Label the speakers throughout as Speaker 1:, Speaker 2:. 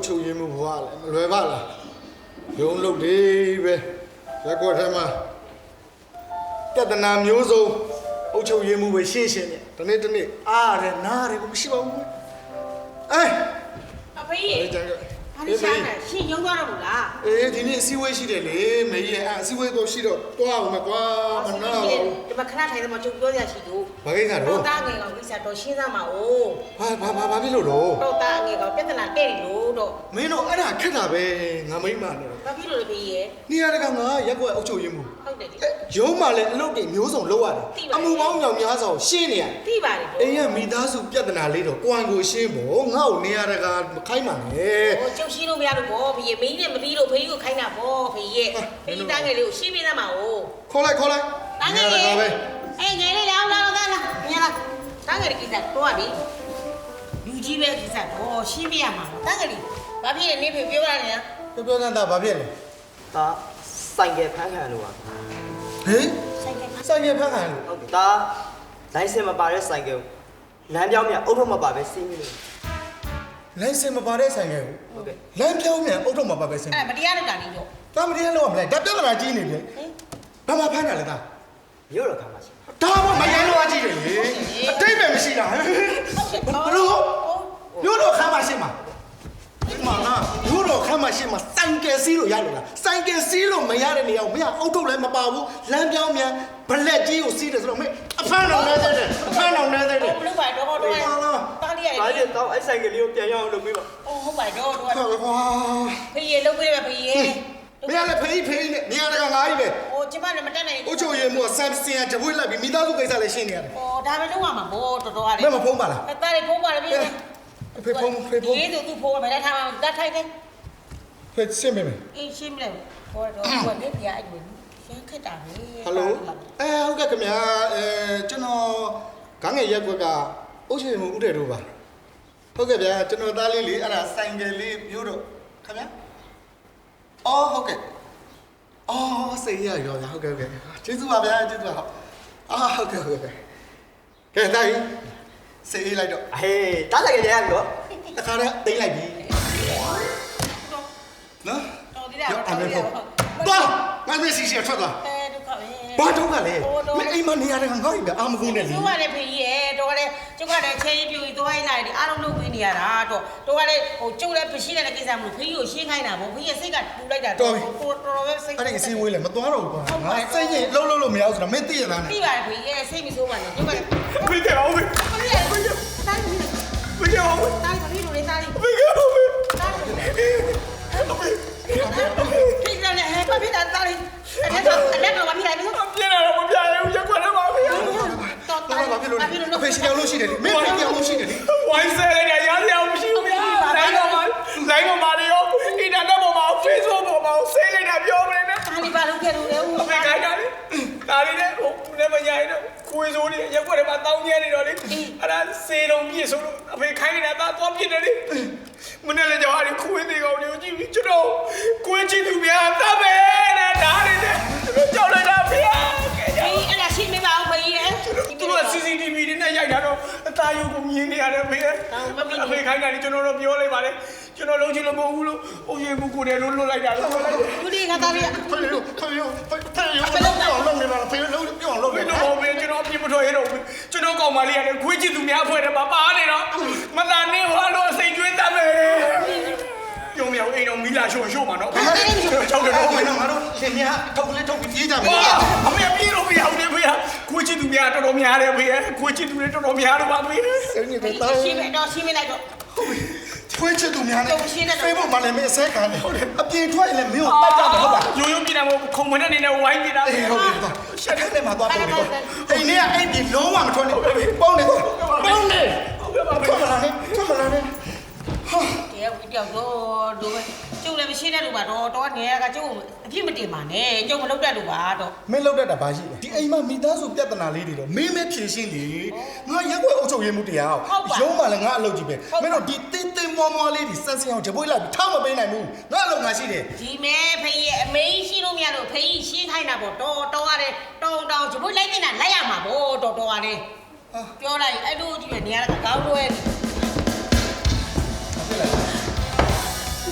Speaker 1: ချုပ်ရင်းမှုဘွားလဲမလွယ်ပါလားရုံးလုပ်တွေပဲရက်ကွက်ထဲမှာပြဿနာမျိုးစုံအုပ်ချုပ်ရင်းမှုပဲရှင်းရှင်းနဲ့ဒီနေ့အားရနားရမရှိပါဘူး
Speaker 2: အဖေအားရရှာနေရှင်းရုံသွားတော့ဘူးလား
Speaker 1: ဒီနေ့အစည်းအဝေးရှိတယ်လေမေကြီးအစည်းအဝေးတော့ရှိတော့တွားအောင်မကွာမနာပါဘူး
Speaker 2: ဒီမှာခဏထိုင်တယ်မှာကျုပ်ပြောရရှိလို့
Speaker 1: ဘာကိစ္စတော့
Speaker 2: တာငယ်ကောင်ကိစ္စတော့ရှင်းသားမှာ哦
Speaker 1: ဘာဖြစ်လို့တော့
Speaker 2: တော့တာငယ်ကောင်ပြဿနာတဲ့လို့တော့
Speaker 1: မင်းတို့အဲ့ဒါခက်တာပဲငါမိမနဲ့
Speaker 2: ဘာဖြစ်လို့လဲဖေးရဲ့
Speaker 1: နေရာတကာငါရက်ကွက်အုပ်ချုပ်ရင်းမှု
Speaker 2: ဟုတ်တယ်
Speaker 1: ရုံးမှလည်းအလုပ်တွေမျိုးစုံလုပ်ရတယ်အမှုပေါင်းမြောင်များစွာရှင်းနေရတယ်
Speaker 2: သိပါတယ်
Speaker 1: အိမ်ကမိသားစုပြဿနာလေးတော့ကိုယ်ကိုရှင်းဖို့ငါ့ကိုနေရာတကာမခိုင်းပါနဲ့
Speaker 2: ကျုပ်ရှင်းလို့မရလို့ဗောဖေးရဲ့မင်းနဲ့မပြီးလို့ဖေးကိုခိုင်းတာဗောဖေးရဲ့ဖေးတာငယ်လေးကိုရှင်းပေးသမှာ哦
Speaker 1: ခေါ်လိုက်
Speaker 2: တာငယ်လေးငယ်လေးလာမြင်လားတာငယ်လေးကိစ္စတော့ပြီလူကြီးပဲကိစ္စတော့ရှင်းပြရမှာတာငယ်လေးဘာဖြစ်လဲနေဖေပြောရတယ်နော်
Speaker 1: ပြောနေတာဘာဖြစ်လဲ
Speaker 3: ဒါဆိုင်ကယ်ဖမ်းခံလို့ပါ
Speaker 1: ဟင်ဆိုင်ကယ်ဖမ်းခံလို့
Speaker 3: ဟုတ်တယ်ဒါလိုင်စင်မပါတဲ့ဆိုင်ကယ်လမ်းပြောင်းမြန်အုတ်ထုပ်မပါပဲစီးမိလို့
Speaker 1: လိုင်စင်မပါတဲ့ဆိုင်ကယ်
Speaker 3: ဟုတ်ကဲ့
Speaker 1: လမ်းပြောင်းမြန်အုတ်ထုပ်မပါပဲစီး
Speaker 2: မတရားလုပ်တာနေတော့
Speaker 1: ဒါမတရားလုပ်ရမလဲဒါပြဿနာကြီးနေပြီဘာမှဖမ်းတာလဲဒါ
Speaker 3: မြို့တော်ခါမှာရှိ
Speaker 1: ဒါမှမရိုင်းလို့အကြည့်တယ်လေအတိတ်ပဲမရှိတာဘလို့မြို့တော်ခါမှရှိမှာမနာမြို့တော်ခါမှရှိမှာစိုင်ကယ်စီးလို့ရလို့လားစိုင်ကယ်စီးလို့မရတဲ့နေရာကိုမင်းအုတ်ထုတ်လည်းမပါဘူးလမ်းပြောင်းမြန်ဘလက်ကြီးကိုစီးတယ်ဆိုတော့မင်းအဖမ်းတော်နေသေးတယ်အဖမ်းတော်နေသေးတယ်
Speaker 2: ဘလို့ပါတော့တားလေးရတယ်
Speaker 3: ဘာလဲတော့အဲ့ဆိုင်ကလေးကိုပြန်ရအောင်လုပ်ပေးပါ
Speaker 2: ဟုတ်ပါတော့
Speaker 1: ကွာ
Speaker 2: ဖေးရေလုပ်ပေးပါဖေးရေ
Speaker 1: မင်းလည်းဖေးနဲ့နေရာတကာငါးကြီးပဲ
Speaker 2: ကျမလည်းမတက်နိုင်
Speaker 1: ဘူးအချိုရည်မို့ဆမ်စင်ကတပွေးလိုက်ပြီးမိသားစုကိစ္စလည်းရှင်းနေရတယ်
Speaker 2: ဒါပဲလုပ်ရမှာဘောတော်ရတယ်
Speaker 1: မင်းမဖုံးပါလား
Speaker 2: တားလေးဖုံးပါလေ
Speaker 1: ဖေဖုံး
Speaker 2: ဒီသူဖုံးပါမယ်ထားမှာတတ်ထိုက်တယ်
Speaker 1: ဖေရှင်းမယ်
Speaker 2: ရှင်းမလဲဘောတော့ဘာလဲပြအဲ့လိုရှင်းခက်တာပဲ
Speaker 1: ဟယ်လိုဟုတ်ကဲ့ခင်ဗျာကျွန်တော်ခေါင်းငယ်ရက်ကွက်ကအုပ်ချုပ်မှုဥတဲ့တို့ပါဟုတ်ကဲ့ဗျာကျွန်တော်သားလေးလေအဲ့ဒါဆိုင်ကယ်လေးမျိုးတော့ခင်ဗျာအော်ဟုတ်ကဲ့အော်စိတ်ရရောဗျာဟုတ်ကဲ့ကျေးဇူးပါဗျာကျေးဇူးပါဟုတ်ကဲ့ကဲတိုင်းစိတ်လိုက်တော့
Speaker 3: ဟေးတားဆိုင်ကလေးရပြီတော့
Speaker 1: တခါတည်းတိမ့်လိုက်ပြီနော်
Speaker 2: တော်သေးတယ်တော့
Speaker 1: ငါမရှိထွက်သွား
Speaker 2: ဒုက္ခပဲ
Speaker 1: ဘာဒုက္ခလဲမင်းအိမ်မနေရတယ်ငါ့အိမ်ပဲအာမကုန်းနဲ့လေ
Speaker 2: ကျုပ်ကလည်းဖေးရဲ့တော့လည်းကျုပ်ကလည်းချဲရေးပြူပြီးသွားလိုက်တယ်အားလုံးလုပ်ပေးနေရတာတော့ကလည်းကျုပ်လည်းမရှိတဲ့ကိစ္စမလို့ဖေးကိုရှင်းခိုင်းတာပေါ့ဖေးရဲ့စိတ်ကပူလိုက်တာတော်ပဲစိတ်
Speaker 1: အဲ့ဒီအစင်းဝေးလေမသွားတော့ဘူးကွာငါစိတ်ရင်လှုပ်လို့မရဘူးဆိုတော့မင်းသိရသားနဲ့
Speaker 2: သိပါတယ်ဖေးရဲ့စိတ်မဆိုးပါနဲ့ကျုပ်ကလည်း
Speaker 1: ဖေးတယ်အောင်ဖေး
Speaker 2: တိုင်းဖေး
Speaker 1: တယ်အောင်
Speaker 2: တိုင်းဖေးလို့လေတိုင်း
Speaker 1: ဖေးအောင်ဖေး
Speaker 2: ဖေးတယ်ဟဲ့ဖေးတာတိုင်းအဲ့တော့ဘာဖြစ်လဲမင်း
Speaker 1: ပြင်းတယ်မပြရဘူးရက်ခွက်ထဲမှာဖေး
Speaker 2: တော်တော်ဘာဖြစ်လို့
Speaker 1: ဖေးစီအောင်လို့ရှိတယ်လေမင်းဖေးအောင်လို့ရှိတယ်လေ
Speaker 4: ဝိုင်းဆဲလိုက်တယ်ရားစရာမရှိဘူးဗျာလိုင်းပေါ်မှာတွေရောအင်တာနက်ပေါ်မှာ Facebook ပေါ်မှာဆဲလိုက်တာပြောမနေနဲ့
Speaker 2: ဒါလေးဘာလို့ခဲ့လို့လဲ
Speaker 4: အဖေခိုင်းတာလေဒါလေးနဲ့ဟိုလည်းမညာရင်တော့ခွေးစိုးနေရက်ွက်ထဲမှာတောင်းကျဲနေတော့လေအဲ့ဒါစေတုံပြည့်ဆိုလို့အဖေခိုင်းနေတာသွားပြစ်တယ်လေမနေ့လည်းကြောက်ရတယ်ခွေးသေးကောင်တွေကိုကြည့်ပြီးကျွန်တော်ခွေးချစ်သူများတတ်ပဲတဲ့ဒါလေးနဲ့ကျွန်တော်ကြောက်လိုက်တာဗျာ
Speaker 2: အဲ့ဒါရှင်းမပါဘူးဖေးရဲ့
Speaker 4: သူက CCTV တွေနဲ့ရိုက်တာတော့အသားရုပ်ကိုမြင်နေရတယ်ဖေးအဖေခိုင်းတာလေကျွန်တော်တို့ပြောလိုက်ပါလေကျွန်တော်လုံးချင်လို့မဟုတ်ဘူးလို့အုပ်ရမှုကိုတယ်လို့လွတ်လိုက်တာလို့
Speaker 2: သူဒီကသားလေး
Speaker 1: ဖေးလုံးနေတာဖေးလုံးပြောင်းလုံးနေ
Speaker 4: တာဟုတ်ပဲကျွန်တော်အပြစ်မထွက်ရတော့ဘူးကျွန်တော်ကောင်မလေးကလည်းခွေးချစ်သူများဖွဲ့တယ်ပါနေတော့မသာနေဟောလို့စိတ်ကျွေးတတ်မယ်ပြုံးမြောင်အိမ်တော်မီလာရှို့မှာနော်
Speaker 1: ချောက်တယ်တော့မင်းတို့ငါတို့ရှင်များထုတ်လေးထုတ်ပြီးပြေးကြမယ်
Speaker 4: အမေပြေးလို့မရဘူးလေဖေးခွေးချစ်သူများတော်တော်များတယ်ဖေးခွေးချစ်သူတွေတော်တော်များတော့ပါဖေး
Speaker 1: စိတ်ညစ်တော့
Speaker 2: ရှင်းလိုက်တော့
Speaker 1: ခွေးချစ်သူများနဲ့ဖေးဖို့မှလည်းမင်းအစဲခံတယ်အပြင်ထွက်ရင်လည်းမင်းကိုတတ်ကြတယ်ဟုတ်ပါ
Speaker 4: ရိုးရိုးပြည်တယ်မို့ခုံမနဲ့နေနဲ့ဝိုင်းနေတာ
Speaker 1: ဟုတ်ပြီရှက်တဲ့မှာသွားပုံနေတော့အိမ်ထဲကအိမ်ကြီးလုံးဝမထွက်နဲ့ပေါင်းနေထွက်မလာနဲ့
Speaker 2: ဟာတရားဝီတောက်တော့ကျုပ်လည်းမရှိတဲ့လူပါတော့နေရကကျုပ်အပြစ်မတင်ပါနဲ့ကျုပ်မလုပ်တတ်လို့ပါတော့
Speaker 1: မင်းလုပ်တတ်တာဘာရှိလဲဒီအိမ်မှာမိသားစုပြဿနာလေးတွေတော့မင်းပဲဖြေရှင်းလေငါရက်ွက်အုပ်ချုပ်ရေးမှုတရားရုံးမှလည်းငါအလုပ်ကြီးပဲမင်းတို့ဒီတင်းမွားလေးတွေဆက်စင်အောင်ဂျပွေးလိုက်ပြီးထားမပေးနိုင်ဘူးငါအလုပ်ငါရှိတယ်
Speaker 2: ဒီမဲဖေးရဲ့အမေရှိလို့မရလို့ဖေးရှင်းခိုင်းတာပေါ့တော်ရတယ်တောင်းဂျပွေးလိုက်နေတာလိုက်ရမှာပေါ့တော်ရတယ်ပြောလိုက်အဲ့လိုကြီးပဲနေရတာကောင်းလွဲ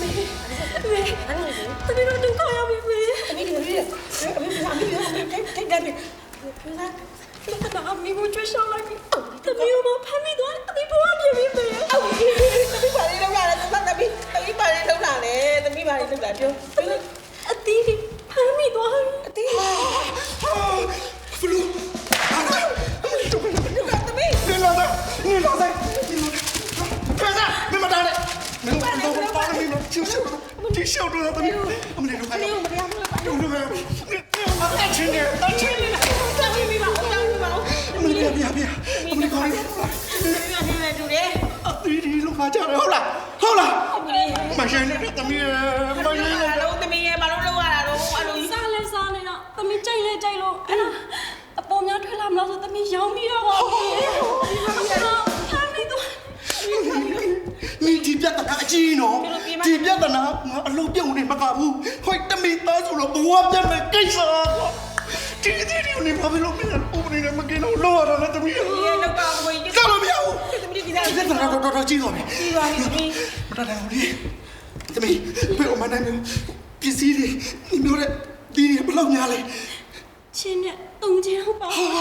Speaker 5: သမီးတို့ဒုက္ခရောက်ပြီမေ
Speaker 2: သမီးတို့ထိတ်တယ်ဖေစား
Speaker 5: 那咪我追上来你，他没有吗？潘美端，你不要别别别！
Speaker 2: သမီးပါလေးလောက်လာတယ်သမီးပါလေးလောက်လာတယ်သမီးပါလေးလောက်လာပြော
Speaker 5: 阿弟，潘美端，
Speaker 2: အသေး
Speaker 1: ဘလူးဟာတို့က
Speaker 2: သမီး
Speaker 1: နေလာတယ်နေလာတယ်ဖေစားမမတားနဲ့မင်းတို့ပါမင်းတို့ချူချူတီရှော့တော့တမီးအမလေးတို့ကလည်းတို့ကလည်းအချင်းနဲ့အချင်းနဲ့
Speaker 2: သမီးမိပါဦးသမီးပါဦး
Speaker 1: အမလေးပြပြအမလေးခေါ်နေ
Speaker 2: သမီးနဲ့တူတယ်
Speaker 1: အတီးဒီလောက်ခါကြတယ်ဟုတ်လားမဆိုင်နဲ့တမီးမဆိုင်နဲ့
Speaker 2: လုံးသမီးရဲ့ဘာလို့လောက်ရတာတော့အဲ့လို
Speaker 5: 杀嘞杀嘞啦，他们摘嘞摘喽，哎呀，阿婆苗推拉不老说他们要米了哦，潘美端，
Speaker 1: 你ဒီပြဿနာအကြီးနော်ဒီပြဿနာငါအလုံးပြုံနေမကဘူးဟိုတမီသားဆိုတော့ဘဝပြတ်မဲ့ကိစ္စကွာဒီနေဘာဖြစ်လို့မင်းဥပဒေနဲ့မကင်းတော့လောရတာလဲတမီး
Speaker 2: ဒီလောက်ကကိုကြီး
Speaker 1: ကြောက်လို့မရဘူး
Speaker 2: သမီးကြီး
Speaker 1: ဒီပြဿနာတော့ကြီးသွားပြီ
Speaker 2: ဒီပါသမီး
Speaker 1: မတတ်နိုင်ဘူးလေတမီးဘယ်အမှန်တမ်းပစ္စည်းတွေမျိုးတဲ့ဒီဘလောက်များလဲ
Speaker 5: 千年冬天好饱，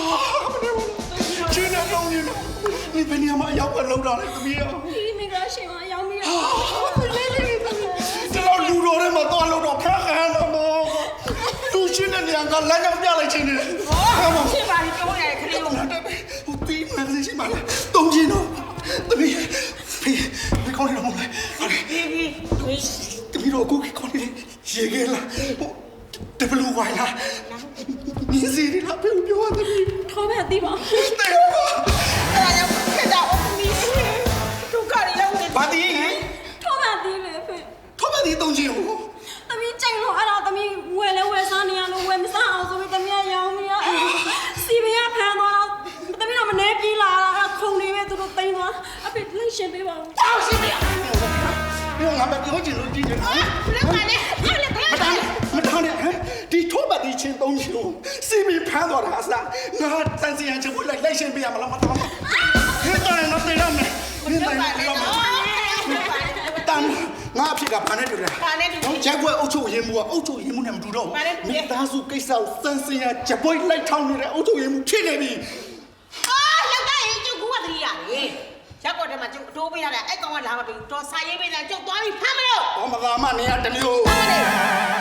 Speaker 1: ချင်းနဲ့တော့နေဘယ်နေရာမှာရောက်လောက်တာလဲတမီးရော
Speaker 5: 你没给他写完要米了，来来来，
Speaker 1: ဒီတော့လူတော်ထဲမှာတော့လောက်တော့ခက်ခဲတော့မောလူချင်းတဲ့နေရာကလမ်းကြောင်းပြလိုက်ချင်းနေတယ်
Speaker 2: ဖြစ်ပါလိပြောရတယ်ခလေးကို
Speaker 1: ဟိုတီးမှန်စီရှိမှလားတုံးချင်းတော့တမီးဖေးခေါင်းနေတော့မဟုတ်လား
Speaker 2: ဒီ
Speaker 1: တမီးတော့ကိုခေါင်းနေရေခဲလားဟိုတဘလူဝိုင်လားမြင်းစီလားဖေးပြောရတမီး
Speaker 5: ထောပဲအသိပါ
Speaker 1: တေရော
Speaker 2: အဲ့ဒါကြောင့်ခက်တာအမီဒုက္ခတွေရောက်နေ
Speaker 1: ဘာတီး
Speaker 5: ထောပဲအသိလေဖေ
Speaker 1: ထောမတီးတုံးချင်းဟို
Speaker 5: သမီးကြိုက်လို့အဲ့ဒါသမီးဝယ်လဲဝယ်စားနေရလို့ဝယ်မစားအောင်ဆိုပြီးသမီးကရောင်းမရစီမရဖမ်းသွားတော့သမီးကမနေပြေးလာတာခုံနေပဲသူတို့တိန်းသွားအဖေလိုက်ရှင်ပေးပါဦး
Speaker 2: တောက်စီမရ
Speaker 1: ပြောငါမပြောချင်လို့ကြည့်နေတာ
Speaker 2: လက်ပါနဲ့အဲ့လက်
Speaker 1: မတန်းနဲ့ဟမ်ဒီထောပတ်တီးချင်းတုံးချင်းကိုစီမီဖမ်းသွားတာအစားငါတန်စီရန်ချဖို့လိုက်ရှင်းပေးရမလားမတော်ဘူးဟဲ့တယ်နော်တေးရမယ်ဟဲ့တယ်နော်တန်ငါအဖြစ်ကဘာနဲ့တူလဲ
Speaker 2: ပါနဲ့တူ
Speaker 1: ရက်ွက်အုပ်ချုပ်ရေးမှုကအုပ်ချုပ်ရေးမှုနဲ့မတူတော့ဘူးမိသားစုကိစ္စကိုစမ်းစင်ရကြပွိုးလိုက်ထောင်းနေတဲ့အုပ်ချုပ်ရေးမှုဖြစ်နေပြီ
Speaker 2: အာလောက်တဲ့ကျုပ်ကူကတည်းရတယ်ရက်ကော့ထဲမှာကျုပ်အတိုးပေးရတာအဲ့ကောင်ကလာမပြီးတော့စာရေးပေးတာကျုပ်သွားပြီးဖမ်းမလို့
Speaker 1: ။ဘာမသာမနေရတမျိုး
Speaker 2: ဖမ်းမလို့